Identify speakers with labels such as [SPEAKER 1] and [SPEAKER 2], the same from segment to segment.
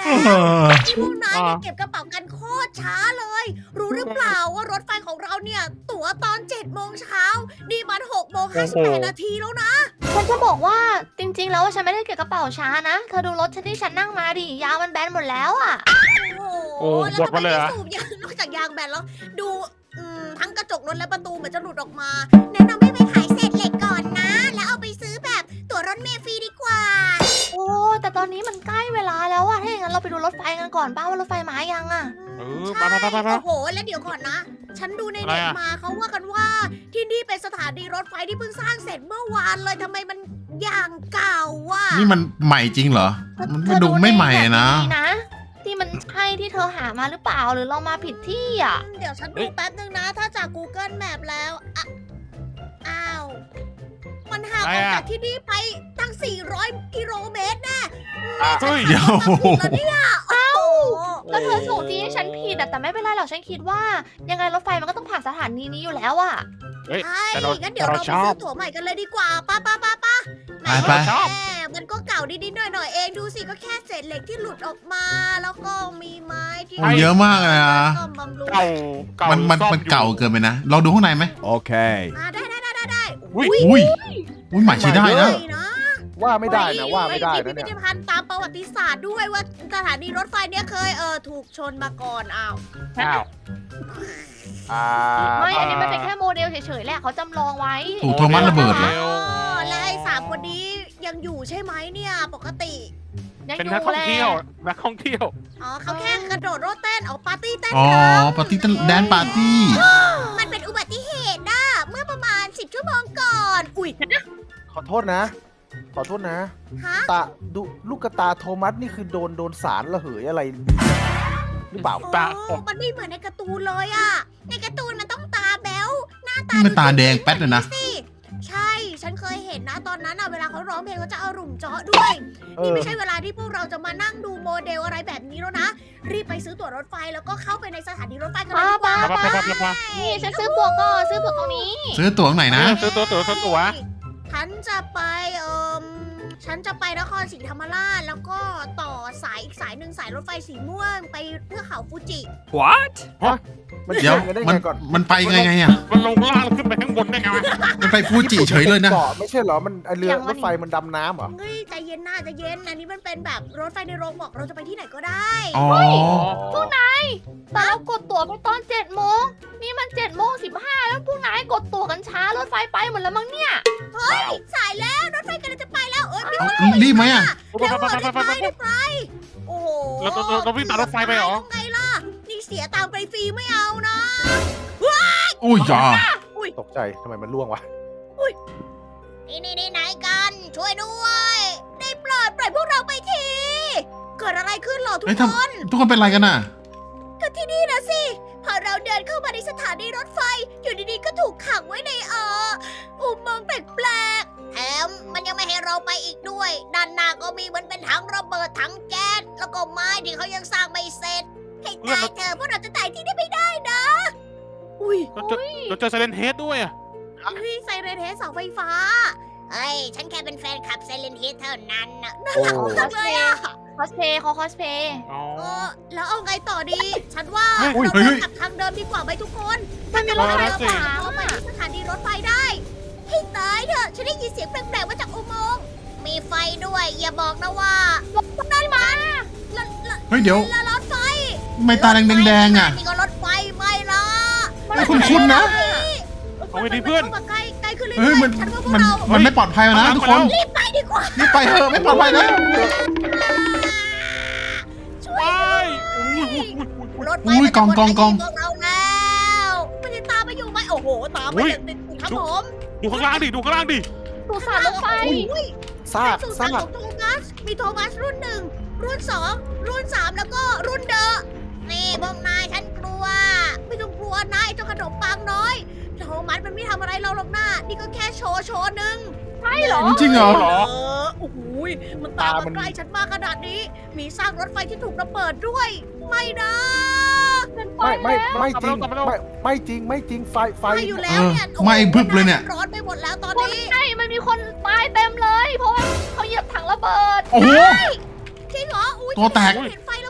[SPEAKER 1] แล้วที่พวกนายเนี่ยเก็บกระเป๋ากันโคตรช้าเลย รู้หรือเปล่าว่ารถไฟของเราเนี่ย ตั๋วตอน7 โมงเช้านี่มัน6 โมง 58 นาทีแล้วนะ
[SPEAKER 2] ฉันจะบอกว่าจริงๆแล้วฉันไม่ได้เก็บกระเป๋าช้านะเธอดูรถฉันที่ฉันนั่งมาดิยางมันแบนหมดแล้วอ่ะ
[SPEAKER 1] โอ้
[SPEAKER 3] โอ้
[SPEAKER 1] โหแล้ว
[SPEAKER 3] หมด
[SPEAKER 1] ทำไม
[SPEAKER 3] มาเลย
[SPEAKER 1] ไม่
[SPEAKER 3] เหรอ
[SPEAKER 1] สูบยางนอกจากยางแบนแล้ว ดูทั้งกระจกรถและประตูเหมือนจะหลุดออกมา แนะนำให้ไปขายเศษเหล็กก่อนนะ แล้วเอาไปซื้อแบบตั๋วรถเมล์ฟรีดีกว่า
[SPEAKER 2] โอ้แต่ตอนนี้มันใกล้เวลาแล้วอะถ้าอย่างนั้นเราไปดูรถไฟกันก่อนป้าว่ารถไฟมายังอะ
[SPEAKER 1] ใช่
[SPEAKER 3] ไป
[SPEAKER 1] โอ้โห แล้วเดี๋ยวก่อนนะ ฉันดูในเน็ตมาเขาว่ากันว่า ที่นี่เป็นสถานีรถไฟที่เพิ่งสร้างเสร็จเมื่อวานเลยทำไมมันอย่างเก่าว่ะ
[SPEAKER 4] นี่มันใหม่จริงเหรอ มันดูไม่ใหม่นะ
[SPEAKER 2] เธอดูในแบบนะที่มันใช่ที่เธอหามาหรือเปล่าหรือเรามาผิดที่อะ
[SPEAKER 1] เดี๋ยวฉันดูแป๊บนึงนะ ถ้าจาก Google Map แล้วอะอ้าว มันห่างออกจากที่นี่ไปตั้ง 400 กิโลเมตรแน่
[SPEAKER 3] เฮ้ย
[SPEAKER 4] เดี๋ยว
[SPEAKER 1] ผิดแล้วเนี่ยเอ้า
[SPEAKER 2] ก็เธอส่งที่ให้ฉันผิดอะแต่ไม่เป็นไรหรอกฉันคิดว่า ยังไงรถไฟมันก็ต้องผ่านสถานีนี้อยู่แล้วอะ
[SPEAKER 3] เฮ้ย
[SPEAKER 1] ใช่
[SPEAKER 3] แต่เรา
[SPEAKER 1] งั้นเดี๋ยวเราไป
[SPEAKER 3] ชอ
[SPEAKER 1] ซื้
[SPEAKER 3] บ
[SPEAKER 1] อตั๋วใหม่กันเลยดีกว่าป้า
[SPEAKER 4] ไป
[SPEAKER 1] แหมมันก็เก่านิดๆหน่อยๆเองดูสิก็แค่เศษเหล็กที่หลุดออกมา แล้วก็มีไม้ที่
[SPEAKER 4] โอ้เยอะมากเลยนะ
[SPEAKER 1] ก็บำรุง
[SPEAKER 3] เก่าเก่า
[SPEAKER 4] มัน
[SPEAKER 3] ซ่อ
[SPEAKER 4] เก่า
[SPEAKER 3] อยู่
[SPEAKER 4] เกินไปนะ เราดูข้างในไหม
[SPEAKER 5] Okay.
[SPEAKER 1] ได้
[SPEAKER 3] อุ๊ย
[SPEAKER 4] อุ้ยใหม่ใช้ได้นะ
[SPEAKER 1] ใหม่นะ
[SPEAKER 5] ว่าไม่ได้นะว่าไม่ได้
[SPEAKER 1] มี
[SPEAKER 5] นะ
[SPEAKER 1] พิ
[SPEAKER 5] เนี่
[SPEAKER 1] พิ
[SPEAKER 5] ย
[SPEAKER 1] ธภัณฑ์ตามประวัติศาสตร์ด้วยว่าสถานีรถไฟเนี่ยเคยถูกชนมาก่อนอ้าว
[SPEAKER 3] อ้าว
[SPEAKER 2] ไม่อันนี้มันเป็นแค่โมเดลเฉยๆแหละเขาจำลองไว้
[SPEAKER 4] ถูกโทมัสระเบิดเหรอ
[SPEAKER 3] เร็ว
[SPEAKER 1] และไอ้สามคนนี้ยังอยู่ใช่ไหมเนี่ยปกติ
[SPEAKER 2] ยัง
[SPEAKER 3] เป็น
[SPEAKER 2] อยู่
[SPEAKER 3] นักท่อง
[SPEAKER 2] แหละ
[SPEAKER 3] เที่ยวนักท่องเที่ยว
[SPEAKER 1] อ๋อเขาแค่กระโดดโลดเต้นเอาปาร์ตี้เต้น
[SPEAKER 4] อ๋อ
[SPEAKER 1] กัน
[SPEAKER 4] ปาร์ตี้แดนปาร์ตี้
[SPEAKER 1] มันเป็นอุบัติเหตุนะเมื่อประมาณ 10 ชั่วโมงก่อน อุ๊ย
[SPEAKER 5] ขอโทษนะ ขอโทษนะ
[SPEAKER 1] ฮะ
[SPEAKER 5] ตาดูลูกกระตาโทมัสนี่คือโดนสารระเหยอะไรหรือเปล่า
[SPEAKER 3] ตา
[SPEAKER 1] โอ้มันไม่เหมือนในการ์ตูนเลยอะในการ์ตูนมันต้องตาแบ๊วหน้าตา
[SPEAKER 4] นี่มันตาแดงแป๊ดเลยนะ
[SPEAKER 1] สิใช่ ฉันเคยเห็นนะตอนนั้นอะเวลาเขาร้องเพลงเขาจะเอาหลุ่มเจาะด้วย นี่ไม่ใช่เวลาที่พวกเราจะมานั่งดูโมเดลอะไรแบบนี้แล้วนะ รีบไปซื้อตั๋วรถไฟแล้วก็เข้าไปในสถานีรถไฟกันเลยดีกว่า
[SPEAKER 3] ไป
[SPEAKER 2] นี่ฉันซื้อตั๋วก่อนซื้อตั๋วตรงนี้
[SPEAKER 4] ซื้อตั๋วตรงไหนนะ
[SPEAKER 3] ซื้อตั๋ว
[SPEAKER 1] ฉันจะไปฉันจะไปนครศรีธรรมราชแล้วก็ต่อสายอีกสายหนึ่งสายรถไฟสีม่วงไปเพื่อเขาฟูจิ
[SPEAKER 6] What?
[SPEAKER 5] มัน
[SPEAKER 4] เดี๋ยว
[SPEAKER 5] เชื่อมกันได้
[SPEAKER 4] มัน
[SPEAKER 5] ไงก่อน
[SPEAKER 4] มันไปไงอ่ะ
[SPEAKER 3] มันลงล่างแล้วขึ้นไปข้างบนได้ไงวะ
[SPEAKER 4] มันไปฟูจิเฉยเลยนะ
[SPEAKER 5] เกาะไม่ใช่เหรอ มันไอ้เรือรถไฟมันดำน้ำเหรอ
[SPEAKER 1] เฮ้ยใจเย็นน่าจะเย็น อันนี้มันเป็นแบบรถไฟในโรงบอกเราจะไปที่ไหนก็ได้
[SPEAKER 4] อ๋อ
[SPEAKER 2] พวกนายแต่เรากดตั๋วไปตอน7 โมงนี่มัน7:15แล้วพวกนายกดตั๋วกันช้ารถไฟไปหมดแล้วมั้งเนี่ย
[SPEAKER 1] เฮ้ยสายแล้วรถไฟกำลังจะไปแล้วเอ้ยไม่
[SPEAKER 4] เอารีบไหมอ่ะ
[SPEAKER 1] เร็วรีบไปโอ้โห
[SPEAKER 3] เราวิ่งตามรถไฟไปเหรอ
[SPEAKER 1] ทำไงล่ะนี่เสียตังค์ไปฟรีไม่เอานะ
[SPEAKER 4] อุ้ยจ้า
[SPEAKER 5] ตกใจทำไมมันล่วงวะ
[SPEAKER 1] นี่ไหนกันช่วยด้วยได้โปรดปล่อยพวกเราไปทีเกิดอะไรขึ้นเหรอทุก
[SPEAKER 4] เฮ้ย
[SPEAKER 1] ค
[SPEAKER 4] ทำ
[SPEAKER 1] น
[SPEAKER 4] ทุกคนเป็นไรกันน่ะ
[SPEAKER 1] ก็ที่นี่นะสิ พอเราเดินเข้ามาในสถานีรถไฟ อยู่ดีๆ ก็ถูกขังไว้ในอุโมงค์แปลกๆแถมมันยังไม่ให้เราไปอีกด้วย ด้านหน้าก็มีเหมือนเป็นถังระเบิดถังแก๊ส แล้วก็ไม้ที่เขายังสร้างไม่เสร็จ ให้ตายเธอะพวกเราจะตายที่นี่ไม่ได้นะ อุ้ย
[SPEAKER 3] เราเจอไซเลนเฮดด้วยอะ
[SPEAKER 1] เฮ้ยไซเรนเฮดเสาไฟฟ้า เฮ้ย ฉันแค่เป็นแฟนคลับไซเรนเฮดเท่านั้นนะน่ารักมากเลยอะ
[SPEAKER 2] คอสเพย์เขาคอสเพย์
[SPEAKER 3] อ๋อ
[SPEAKER 1] แล้วเอาไงต่อดี ฉันว่า
[SPEAKER 3] เฮ้ย
[SPEAKER 1] เราเดินกลับทางเดิมดีกว่าไหมทุกคน
[SPEAKER 2] มันมีรถไฟ
[SPEAKER 3] เออ
[SPEAKER 2] ขาว
[SPEAKER 1] เข้าไป
[SPEAKER 2] อะ
[SPEAKER 1] ที่สถานีรถไฟได้ให้ตายเถอะ ฉันได้ยินเสียงแปลกๆมาจากอุโมงค์ มีไฟด้วย อย่าบอกนะว่านั่นมาแล้ว
[SPEAKER 4] เฮ้ยเดี๋ยว
[SPEAKER 1] แล้วรถไฟ
[SPEAKER 4] ไม่ตาแดงๆอ่ะ
[SPEAKER 1] นี่ก็รถไฟไม่ละ
[SPEAKER 4] ไม่คุ้นๆนะ
[SPEAKER 3] เอาไปดิเพื่อน
[SPEAKER 1] มัเข้ามาใกล้ขึ้นเรื่
[SPEAKER 4] เฮ้ย
[SPEAKER 1] อย
[SPEAKER 4] มัน
[SPEAKER 1] ๆฉันว่าพวก
[SPEAKER 4] มัน
[SPEAKER 1] เรา
[SPEAKER 4] มันไม่ปลอดภัยแล้วนะทุกคน
[SPEAKER 1] รีบไปดีกว่า
[SPEAKER 4] รีบไปเถอะไม่ปลอดภัยนะ
[SPEAKER 1] ช่ว
[SPEAKER 3] ไป
[SPEAKER 1] ย รถไฟ
[SPEAKER 4] อุ้ย
[SPEAKER 1] มันจะ
[SPEAKER 4] กอง
[SPEAKER 1] หมด
[SPEAKER 4] กอง
[SPEAKER 1] พวกเราแล้วมันจะตามมาอยู่ไหมโอ้โห ตามมาอย่างติดๆครับผม
[SPEAKER 3] ดูข้างล่างดิ ดูข้างล่างดิ
[SPEAKER 2] สุสานรถไฟ
[SPEAKER 1] อุ้ย
[SPEAKER 5] ซาก
[SPEAKER 1] สุ
[SPEAKER 5] ซา
[SPEAKER 1] สาน
[SPEAKER 5] ก
[SPEAKER 1] ของโทมัส มีโทมัสรุ่น 1 รุ่น 2 รุ่น 3 แล้วก็รุ่นเดอะนี่พวกนายฉันกลัว ไม่ต้องกลัวนะไอ้เจ้าขนมปังน้อย โทมัสมันไม่ทำอะไรเราหรอกนะนี่ก็แค่โชว์หนึ่ง
[SPEAKER 2] ใช่เหรอ
[SPEAKER 4] จริงเหรอ
[SPEAKER 1] โอ้โหมันตามมาใกล้ฉันมากขนาดนี้ มีซากรถไฟที่ถูกระเบิดด้วย ไม่นะ
[SPEAKER 2] เป็นไป
[SPEAKER 5] ไม่
[SPEAKER 2] แล้ว
[SPEAKER 5] ไม่จริง
[SPEAKER 3] กลับมาแล้ว
[SPEAKER 5] ไม่จริงไฟ
[SPEAKER 1] ไม่อยู่แล้วเนี่ย
[SPEAKER 4] เออไหม้พึบเลยเนี่ย
[SPEAKER 1] ร้อนไปหมดแล้วตอน
[SPEAKER 2] คน
[SPEAKER 1] นี้
[SPEAKER 2] ใช่มันมีคนตายเต็มเลย เพราะว่าเขาเหยียบถังระเบิด
[SPEAKER 4] โอ้โห
[SPEAKER 1] จริงเหรออุ้ย
[SPEAKER 4] ตัวแตก
[SPEAKER 1] ฉันเห็นไฟ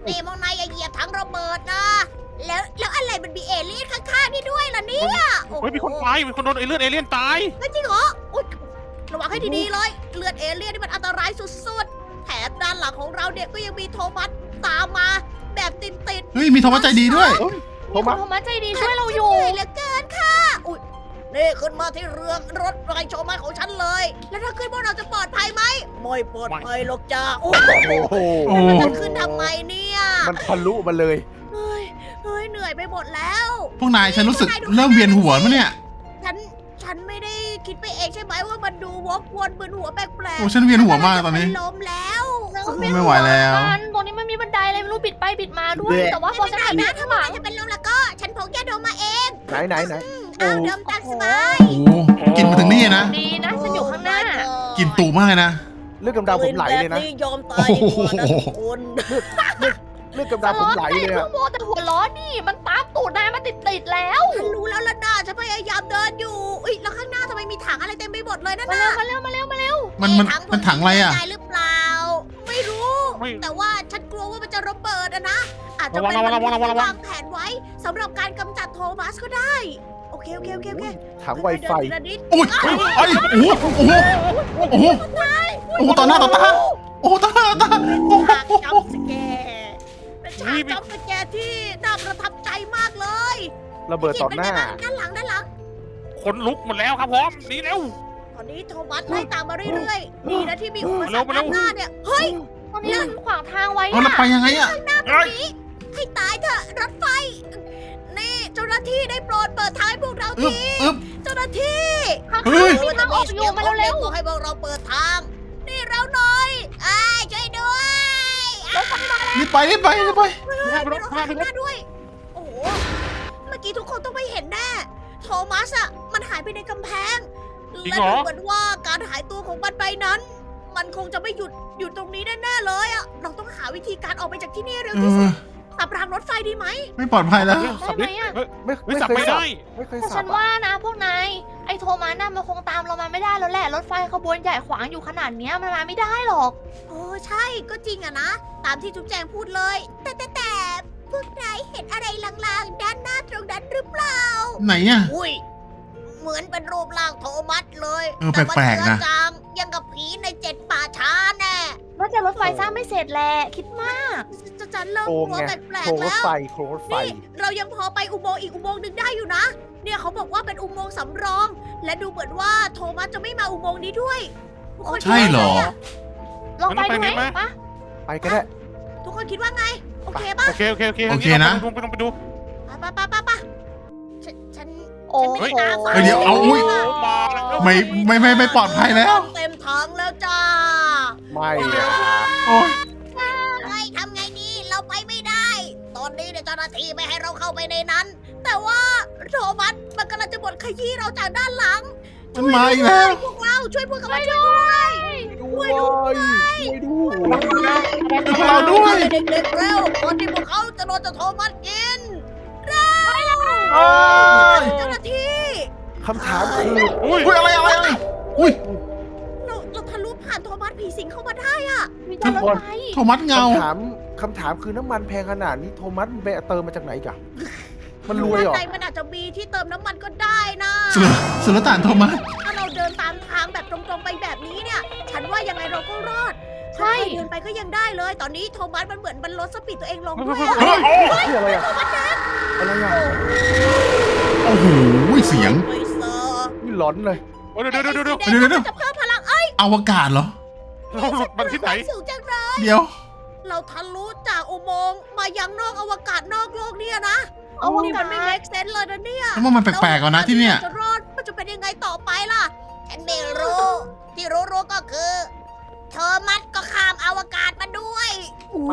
[SPEAKER 1] นี่มองนายอย่าเหยียบทั้งระเบิดนะ แล้วอะไรมันมีเอเลี่ยนข้างๆนี่ด้วยล่ะเนี่ย
[SPEAKER 3] เฮ้ยมีคนตายมีคนโดนเอเลี่ยนตาย
[SPEAKER 1] ไม่จริงเหรออุ๊ยระวังให้ดีๆเลย เลือดเอเลี่ยนนี่มันอันตรายสุดๆ แถมด้านหลังของเราเนี่ยก็ยังมีโทมัสตามมาแบบติด
[SPEAKER 4] เฮ้ยมีโทมัสใจดีด้วย
[SPEAKER 5] โท
[SPEAKER 2] มีค
[SPEAKER 5] มั
[SPEAKER 2] น
[SPEAKER 5] ส
[SPEAKER 2] โทมัสใจดี
[SPEAKER 1] ๆ
[SPEAKER 2] ช่วยเราอยู่
[SPEAKER 1] เหนื่อยเหลือเกินค่ะ อุ๊ยนี่ขึ้นมาที่เรือรถไฟโชว์มาของฉันเลย แล้วถ้าขึ้นพวกเราจะปลอดภัยไหมไม่ปลอดภัยหรอกจ้าโอ้โห
[SPEAKER 5] โอ้โห
[SPEAKER 4] โอ้
[SPEAKER 1] มันขึ้นทำไมเนี่ย
[SPEAKER 5] มันทะลุมาเลย
[SPEAKER 1] เฮ้ยเหนื่อยไปหมดแล้ว
[SPEAKER 4] พวกนายฉันรู้สึกเริ่มเวียนหัวมั้ยเนี่ย
[SPEAKER 1] ฉันไม่ได้คิดไปเองใช่ไหมว่ามันดูวกวนมึนหัวแปลก
[SPEAKER 4] โอ้ฉันเวียนหัวมากตอนนี้
[SPEAKER 1] มัล้มแล้ว
[SPEAKER 4] ไม่ไหวแล้ว
[SPEAKER 2] ตรงนี้มันมีบันไดอะไรไม่รู้บิดไปบิดมาด้วย
[SPEAKER 5] แบะ
[SPEAKER 2] แต่ว่าพอ
[SPEAKER 1] ไม่
[SPEAKER 2] ฉัน
[SPEAKER 1] เป็นไร
[SPEAKER 2] หันไป
[SPEAKER 1] นะถ้า
[SPEAKER 2] ข้างห
[SPEAKER 1] มัน
[SPEAKER 2] ลัง
[SPEAKER 1] จะเป็นลมแล้วก็ ฉันพกยาดมมาเอง
[SPEAKER 5] ไหน
[SPEAKER 1] อ้าวเดิมตามสบาย
[SPEAKER 4] โอ้กินมาถึงนี่นะ
[SPEAKER 2] ดีนะฉันอยู่ข้างหน้า
[SPEAKER 4] กินตูมากเลยนะ
[SPEAKER 5] เลือดกำเดาผมไหลเลยนะ
[SPEAKER 1] แบบยอมตายดีกว่านะทุกคน
[SPEAKER 5] เลือดกำเดาผมไหลเลย
[SPEAKER 2] เครื่
[SPEAKER 5] อะ
[SPEAKER 2] องโมแต่หัวล้อนี่มันตามตูดนายมาติดแล้ว
[SPEAKER 1] ฉันรู้แล้วล่ะนะฉันพยายามเดินอยู่อุ๊ยแล้วข้างหน้าทำไมมีถังอะไรเต็มไปหมดเลยนั่น
[SPEAKER 2] มา
[SPEAKER 1] น่ะ
[SPEAKER 2] เร็วมาเร็วมาเร็ว
[SPEAKER 4] มันถังอะไรอ่ะ
[SPEAKER 1] ได้หรือเปล่า ไม่รู้
[SPEAKER 3] ไม่
[SPEAKER 1] แต่ว่าฉันกลัวว่ามันจะระเบิดอะนะ อาจจะเป็น
[SPEAKER 3] ระวัง
[SPEAKER 1] มนุษย์ที่
[SPEAKER 3] ระวัง
[SPEAKER 1] วางแผนไว้สำหรับการกำจัดโทมัสก็ได้ โอเค
[SPEAKER 5] ถังไวไฟ
[SPEAKER 1] เดินทีละนิด
[SPEAKER 4] โอ้ยเอ้ยโอ้โหโอ้โหโอ้โหต่อหน้าต่อตาโอ้โหต่อหน้าต่อตาโอ้โห
[SPEAKER 1] ฉากจัมป์สแกร์เป็นฉากจัมป์สแกร์ที่น่าประทับใจมากเลย
[SPEAKER 5] ระเบิดต่อหน้า
[SPEAKER 1] ด้านหลัง
[SPEAKER 3] คนลุกหมดแล้วครับผมหนีเร็ว
[SPEAKER 1] ตอนนี้โทมัสไล่ตามมาเรื่อยๆดีนะที่มีอุปสรรค
[SPEAKER 3] มาเร็
[SPEAKER 1] ด้า
[SPEAKER 3] วน
[SPEAKER 1] หน้าเนี่ย เฮ้ย
[SPEAKER 2] ตอนนี้มันขวางทางไว้
[SPEAKER 4] เอาแล้วไปยังไงอ่ะ
[SPEAKER 1] ตรงนี้ให้ตายเถอะรถไฟ นี่เจ้าหน้าที่ได้โปรดเปิดทางให้พวกเรา
[SPEAKER 4] อึ๊บ
[SPEAKER 1] ที
[SPEAKER 4] อึ๊บ
[SPEAKER 1] เจ้าหน้าที่
[SPEAKER 2] ข้าง
[SPEAKER 4] เฮ้ย
[SPEAKER 2] ๆมีทางออกอยู่มาเร็ว
[SPEAKER 1] บอกให้พวกเราเปิดทาง นี่เราหน่อยอ้ายช่วยด้วย
[SPEAKER 4] รีบไป
[SPEAKER 1] มีรถข้างหน้าด้วย โอ้โห เมื่อกี้ทุกคนต้องไปเห็นแน่ โทมัสอะมันหายไปในกำแพง
[SPEAKER 3] จริง
[SPEAKER 1] และ
[SPEAKER 3] เหรอ
[SPEAKER 1] ดูเหมือนว่าการหายตัวของมันไปนั้น มันคงจะไม่หยุดอยู่ตรงนี้แน่ๆเลยอะเราต้องหาวิธีการออกไปจากที่นี่เร็ว
[SPEAKER 4] เอ
[SPEAKER 1] ที่สุ
[SPEAKER 4] อ
[SPEAKER 1] ดสับรางรถไฟดีไหม
[SPEAKER 4] ไม่ปลอดภัยแล้ว
[SPEAKER 3] สับดิเฮ้ย
[SPEAKER 5] ไม่
[SPEAKER 3] ไม่
[SPEAKER 5] ไม่
[SPEAKER 3] สับ
[SPEAKER 5] เคย
[SPEAKER 3] ไม่
[SPEAKER 5] สับ
[SPEAKER 3] ได้
[SPEAKER 5] ไม่เคย
[SPEAKER 2] ๆแต่
[SPEAKER 5] สั
[SPEAKER 2] ฉั
[SPEAKER 5] บ
[SPEAKER 2] น
[SPEAKER 5] อะ
[SPEAKER 2] ว่านะพวกนายไอ้โทมัสน่ะมันคงตามเรามาไม่ได้แล้วแหละรถไฟขบวนใหญ่ขวางอยู่ขนาดเนี้ยมันมาไม่ได้หรอก
[SPEAKER 1] โอ้ใช่ก็จริงอะนะ ตามที่จุ๊บแจงพูดเลย แต่พวกนายเห็นอะไรลางๆด้านหน้าตรงนั้นหรือเปล่า
[SPEAKER 4] ไหนอ่ะ
[SPEAKER 1] อุ้ย เหมือนเป็นรูปร่างโทมัสเลย
[SPEAKER 4] เออ
[SPEAKER 1] แต่มัน
[SPEAKER 4] แปลกๆนะ
[SPEAKER 1] เจือจางยังกับผีใน7 ป่าช้าแน่
[SPEAKER 2] น่าจะรถไฟสร้างไม่เสร็จแหละคิดมาก
[SPEAKER 1] จะเริ่ม
[SPEAKER 5] โค
[SPEAKER 1] ก
[SPEAKER 5] รง
[SPEAKER 1] ลัว
[SPEAKER 5] ไง
[SPEAKER 1] แปล
[SPEAKER 5] โคร
[SPEAKER 1] ก
[SPEAKER 5] ง
[SPEAKER 1] ๆ
[SPEAKER 5] รถ
[SPEAKER 1] แล้ว
[SPEAKER 5] ไฟโครงรถไฟ
[SPEAKER 1] นี่เรายังพอไปอุโมงค์อีกอุโมงค์หนึ่งได้อยู่นะ เนี่ยเขาบอกว่าเป็นอุโมงค์สำรอง และดูเหมือนว่าโทมัสจะไม่มาอุโมงค์นี้ด้วยทุกคน
[SPEAKER 4] ใช่เหรอ
[SPEAKER 1] คิดว่าไงะ
[SPEAKER 2] ลองไปดูไหม
[SPEAKER 3] งั้นเราไปไหม
[SPEAKER 2] ปะ
[SPEAKER 5] ไปก็ได้
[SPEAKER 1] ทุกคนคิดว่าไง โอเคป่ะ
[SPEAKER 3] โอเค
[SPEAKER 4] โอเคนะ
[SPEAKER 3] ไปดู
[SPEAKER 1] ไปฉัน
[SPEAKER 2] โอ้
[SPEAKER 1] ฉัน
[SPEAKER 2] โห
[SPEAKER 1] ไม่ตาฝาด
[SPEAKER 4] เฮ้ยเดี๋ยวเอาอุ๊ย
[SPEAKER 3] มาแล้ว
[SPEAKER 4] ไม่ปลอดภัยแล้ว
[SPEAKER 1] เต็มถังแล้วจ้า
[SPEAKER 5] ไม่อะ
[SPEAKER 4] โอ้ย
[SPEAKER 1] เฮ้ยทำไงดี เราไปไม่ได้ ตอนนี้เนี่ยเจ้าหน้าที่ไม่ให้เราเข้าไปในนั้น แต่ว่าโทมัสมันกำลังจะบดขยี้เราจากด้านหลัง
[SPEAKER 4] มันมาอีกแล้ว
[SPEAKER 1] พวกเราช่วยพวกเขามาช่วยด้วย
[SPEAKER 5] ช่วยด้วย
[SPEAKER 4] พวกเราด้วย
[SPEAKER 1] เด็กๆเร็วก่อนที่พวกเขาจะโดนเจ้าโทมัสกินเร็ว
[SPEAKER 4] โอ้ย
[SPEAKER 1] เจ้าหน้าที่
[SPEAKER 5] คำถามคือ
[SPEAKER 3] อุ้ย
[SPEAKER 4] อุ้ยอะไรอุ้ย
[SPEAKER 1] เราทะลุผ่านโทมัสผีสิงเข้ามาได้อะ
[SPEAKER 2] มีแต่รถไฟ
[SPEAKER 4] โทมัสเงา
[SPEAKER 5] คำถามคือน้ำมันแพงขนาดนี้โทมัสมันไปเติมมาจากไหนกะมันรวยเหรอ
[SPEAKER 1] ด้านในมันอาจจะมีที่เติมน้ำมันก็ได้นะ
[SPEAKER 4] สุลต่านโทมัส
[SPEAKER 1] ถ้าเราเดินตามทางแบบตรงๆไปแบบนี้เนี่ย ฉันว่ายังไงเราก็รอด
[SPEAKER 2] ใช่
[SPEAKER 1] เดินไปก็ยังได้เลย ตอนนี้โทมัสมันเหมือนมันลดสปีดตัวเองลงด้วย
[SPEAKER 3] เฮ้ย
[SPEAKER 5] นี่อะไรอะอะไรอะ
[SPEAKER 4] โอ้โหเสียง
[SPEAKER 1] ไม่เซอร์
[SPEAKER 5] นี่หลอนเลย
[SPEAKER 3] เดี๋ยว
[SPEAKER 1] ไอ้
[SPEAKER 3] เดี๋ยว
[SPEAKER 1] สีแดงมันจะเพิ่มพลัง
[SPEAKER 4] อวกาศเหรอ
[SPEAKER 3] เราหลุดมันที่ไหน
[SPEAKER 1] สูงจังเลย
[SPEAKER 4] เดี๋ยว
[SPEAKER 1] เราทะลุจากอุโมงค์มายังนอกอวกาศนอกโลกเนี่ยนะ
[SPEAKER 2] เอาว
[SPEAKER 1] นี่
[SPEAKER 2] กา
[SPEAKER 1] มันไม่
[SPEAKER 2] ศ
[SPEAKER 1] make sense เลยนะเนี่ย
[SPEAKER 4] แล้วมันแปลกๆก่อนนะที่เนี่ย
[SPEAKER 1] จะรอดมันจะเป็นยังไงต่อไปล่ะ ฉันไม่รู้ ที่รู้ก็คือเธอมัดก็ข้ามอวกาศมาด้วย
[SPEAKER 5] ไป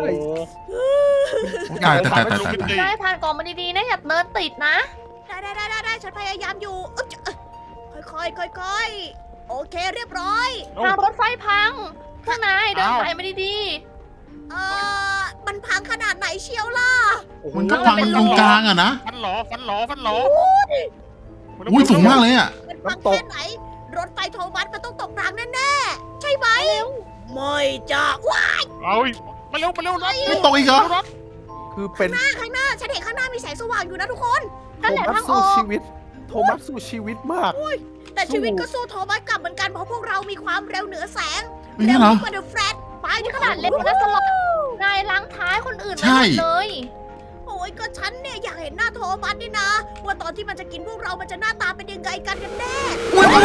[SPEAKER 4] ตายตาย
[SPEAKER 2] ได้ผ่านกล่องมาดีๆนะอย่าเนินติดนะ
[SPEAKER 1] ได้ฉันพยายามอยู่อึ๊บค่อยๆโอเคเรียบร้อย
[SPEAKER 2] ทางรถไฟพังข้างในเดินสายมาดี
[SPEAKER 1] มันพังขนาดไหนเชียวล่ะ
[SPEAKER 4] มันก็พังมันตรงกลางอะนะ
[SPEAKER 3] ฟันหลอ
[SPEAKER 4] อุ้ยสูงมากเลยอ่ะ
[SPEAKER 1] มันพังแค่ไหน รถไฟโทมัสมันต้องตกรางแน่ๆ ใช่ไหมไม่จ้ะว้าย
[SPEAKER 3] เอามาเร็วรถ
[SPEAKER 4] ไม่ตกอีกเหรอ
[SPEAKER 3] รถ
[SPEAKER 5] คือเป็น
[SPEAKER 1] ข้างหน้าฉันเห็นข้างหน้ามีแสงสว่างอยู่นะทุกคน
[SPEAKER 2] นั่นแหละ
[SPEAKER 5] โทมั
[SPEAKER 2] ทา
[SPEAKER 5] ส
[SPEAKER 2] งอ
[SPEAKER 5] สู้
[SPEAKER 2] อก
[SPEAKER 5] ชีวิต โทมัสสู้ชีวิตมาก
[SPEAKER 1] แต่ชีวิตก็สู้โทมัสกลับเหมือนกันเพราะพวกเรามีความเร็วเหนือแสง
[SPEAKER 4] ไม่
[SPEAKER 1] เร็
[SPEAKER 4] ใช่
[SPEAKER 1] ว
[SPEAKER 4] เหรอ
[SPEAKER 1] ยิ่งกว่าเดอะแฟลชไปทุก
[SPEAKER 2] ข
[SPEAKER 1] ค
[SPEAKER 2] นาด
[SPEAKER 1] น
[SPEAKER 2] เล็กนะสล็อตนายล้างท้ายคนอื่น
[SPEAKER 4] ใช่
[SPEAKER 2] ไม่หมดเลย
[SPEAKER 1] โอ้ยก็ฉันเนี่ยอยากเห็นหน้าโทมัสนี่นะ ว่าตอนที่มันจะกินพวกเรามันจะหน้าตาเป็นยังไงกันแน่
[SPEAKER 4] อุ้ย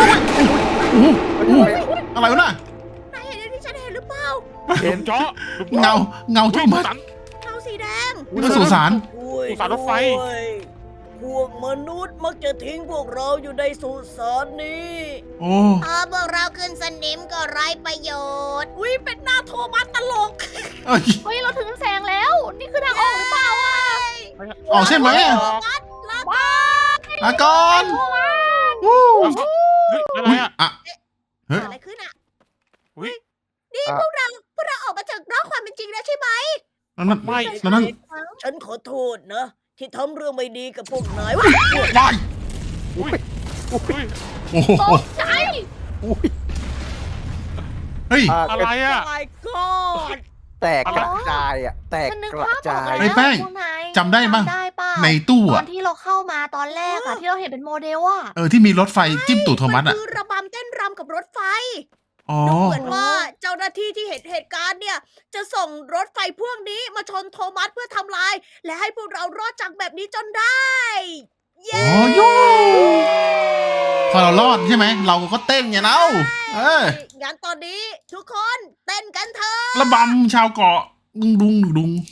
[SPEAKER 4] อะไรวะน่ะ
[SPEAKER 1] นายเห็นอย่างที่ฉันเห็นหรือเปล่า
[SPEAKER 5] เห็น
[SPEAKER 3] เจาะ
[SPEAKER 4] เงาโทมัส
[SPEAKER 1] เงาสีแดง
[SPEAKER 4] น่าสงสาร
[SPEAKER 3] สุสานรถไฟ
[SPEAKER 1] พวกมนุษย์มักจะทิ้งพวกเราอยู่ในสุสานนี้
[SPEAKER 4] โอ้
[SPEAKER 1] พอพวกเราขึ้นสนิมก็ไร้ประโยชน์ อุ้ยเป็นหน้าโทมัสตลก
[SPEAKER 4] เอ้ย
[SPEAKER 2] เฮ้ยเราถึงแสงแล้ว นี่คือทางออกหรือเปล่าอ่ะ
[SPEAKER 4] ออกใช่ไหมอะ
[SPEAKER 1] โทมัสลา
[SPEAKER 2] ว้า
[SPEAKER 4] ลาก่อนวู้
[SPEAKER 3] เฮ้ยอะไร
[SPEAKER 4] อุ๊ย
[SPEAKER 3] อ่ะ
[SPEAKER 4] อะ
[SPEAKER 1] เกิดอะไรขึ้นอ่ะ
[SPEAKER 3] อุ๊ย
[SPEAKER 1] นี่
[SPEAKER 5] อ่ะ
[SPEAKER 1] พวกเราออกมาจากนอกความเป็นจริงแล้วใช่ไหม
[SPEAKER 4] แล้วนั่น
[SPEAKER 3] ไม่
[SPEAKER 4] แล้วนั่น
[SPEAKER 1] ฉันขอโทษนะ ที่ทำเรื่องไม่ดีกับพวกนาย
[SPEAKER 4] วาย
[SPEAKER 3] อุ้ย
[SPEAKER 4] โอ้โห
[SPEAKER 2] ตกใจ
[SPEAKER 5] อุ้ย
[SPEAKER 4] เฮ้ย
[SPEAKER 3] อะไรอ่ะ
[SPEAKER 1] my god
[SPEAKER 5] แตกกระจายอ่ะ แตก
[SPEAKER 2] ฉันนึก
[SPEAKER 5] กระ
[SPEAKER 2] ภาพอ
[SPEAKER 5] จา
[SPEAKER 2] อก
[SPEAKER 5] ย
[SPEAKER 2] แล้ว
[SPEAKER 4] ไอ้แป้ง
[SPEAKER 2] พวกนาย
[SPEAKER 4] จำได้ปะ
[SPEAKER 2] จำได้ป่ะ
[SPEAKER 4] ในตู้
[SPEAKER 2] ตอ
[SPEAKER 4] อะ
[SPEAKER 2] นที่เราเข้ามาตอนแรกอะที่เราเห็นเป็นโมเดลอะ
[SPEAKER 4] ที่มีรถไฟจิ้มตูดโทมัส
[SPEAKER 1] มัน
[SPEAKER 4] อะ
[SPEAKER 1] คือระบำเต้นรำกับรถไฟ
[SPEAKER 4] อ๋อ
[SPEAKER 1] ดูเหมือนว่าเจ้าหน้าที่ที่เห็นเหตุการณ์เนี่ย จะส่งรถไฟพวกนี้มาชนโทมัสเพื่อทำลาย และให้พวกเรารอดจากแบบนี้จนได้ เย้
[SPEAKER 4] อ๋อยูพอเรารอดใช่ไหม เราก็เต้นไงเล่าเออ
[SPEAKER 1] งั้นตอนนี้ทุกคนเต้นกันเถอะ
[SPEAKER 4] ระบำชาวเกาะดุงดุงดุง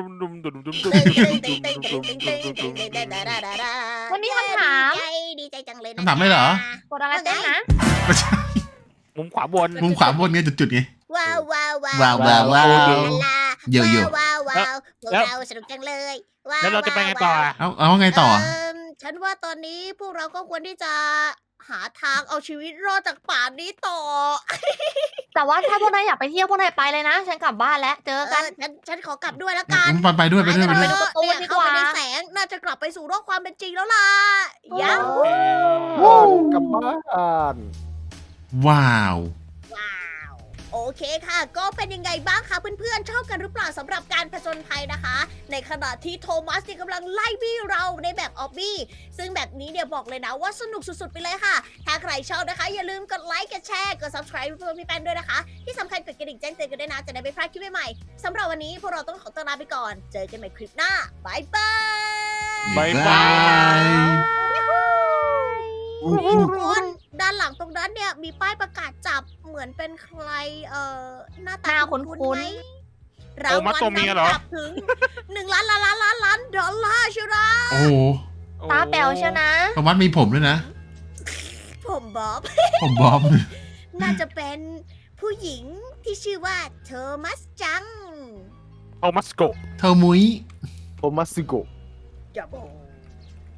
[SPEAKER 2] วันนี้คำถาม
[SPEAKER 1] ดีใจจังเลยนะ
[SPEAKER 4] คำถามเลยเหรอ
[SPEAKER 2] กดอะไรเต้นนะ
[SPEAKER 4] ไม่ใช่
[SPEAKER 3] มุมขวาบน
[SPEAKER 4] มุมขวาบนไงจุดๆไง
[SPEAKER 1] ว้าวว้าว
[SPEAKER 4] ว้าวว้าวว้าว
[SPEAKER 1] ลา
[SPEAKER 4] เยอะ
[SPEAKER 1] ว้าวว้าวพวกเราสนุกจังเลยว้าว
[SPEAKER 3] แล้วเราจะไปไงต่ออ่ะ
[SPEAKER 4] เอาว่าไงต่อ
[SPEAKER 1] ฉันว่าตอนนี้พวกเราก็ควรที่จะหาทางเอาชีวิตรอดจากป่านี้ต่อ
[SPEAKER 2] แต่ว่าถ้าพวกนายอยากไปเที่ยวพวกนายไปเลยนะ ฉันกลับบ้านแล้วเจอกัน
[SPEAKER 1] ฉันขอกลับด้วยแล้วกัน
[SPEAKER 4] ไปด้วยไปด้วยไปด้วย
[SPEAKER 2] ดูการ์ตูนดีกว่า
[SPEAKER 1] เข้าไปในแสงน่าจะกลับไปสู่โลกความเป็นจริงแล้วล่ะยั
[SPEAKER 5] ว้าวกลับบ้าน
[SPEAKER 4] ว้าว
[SPEAKER 1] ว้าว โอเคค่ะ ก็เป็นยังไงบ้างคะเพื่อนๆชอบกันหรือเปล่าสำหรับการผจญภัยนะคะ ในขณะที่โทมัสเนี่ยกำลังไล่บี้เราในแบบออบบี้ซึ่งแบบนี้เนี่ยบอกเลยนะว่าสนุกสุดๆไปเลยค่ะ ถ้าใครชอบนะคะ อย่าลืมกดไลค์กดแชร์กด subscribe เพื่อพี่แป้นด้วยนะคะ ที่สำคัญกดกระดิ่งแจ้งเตือนกันด้วยนะจะได้ไม่พลาดคลิปใหม่ๆสำหรับวันนี้พวกเราต้องขอตัวลาไปก่อน เจอกันใหม่คลิปหน้าบายบาย
[SPEAKER 3] บ๊ายบาย
[SPEAKER 1] นี่ทุกคนด้านหลังตรงนั้นเนี่ยมีป้ายประกาศจับเหมือนเป็นใครหน้าตา
[SPEAKER 2] หน้าคุ้นๆ
[SPEAKER 1] ไหมรางวัล
[SPEAKER 3] ตัวเมียเหรอ
[SPEAKER 1] นำจับถึง1 ล้านดอลลาร์เชียวนะ
[SPEAKER 4] โอ้โห
[SPEAKER 2] ตาแป๋วเชียวนะ
[SPEAKER 4] โทมัสมีผมด้วยนะ
[SPEAKER 1] ผมบ๊อบ
[SPEAKER 4] ผมบอม
[SPEAKER 1] น่าจะเป็นผู้หญิงที่ชื่อว่าโทมัสจัง
[SPEAKER 3] โทมัสโก
[SPEAKER 4] เธอมุ้ย
[SPEAKER 5] โทมัสซิโกะ
[SPEAKER 1] อย่าบอก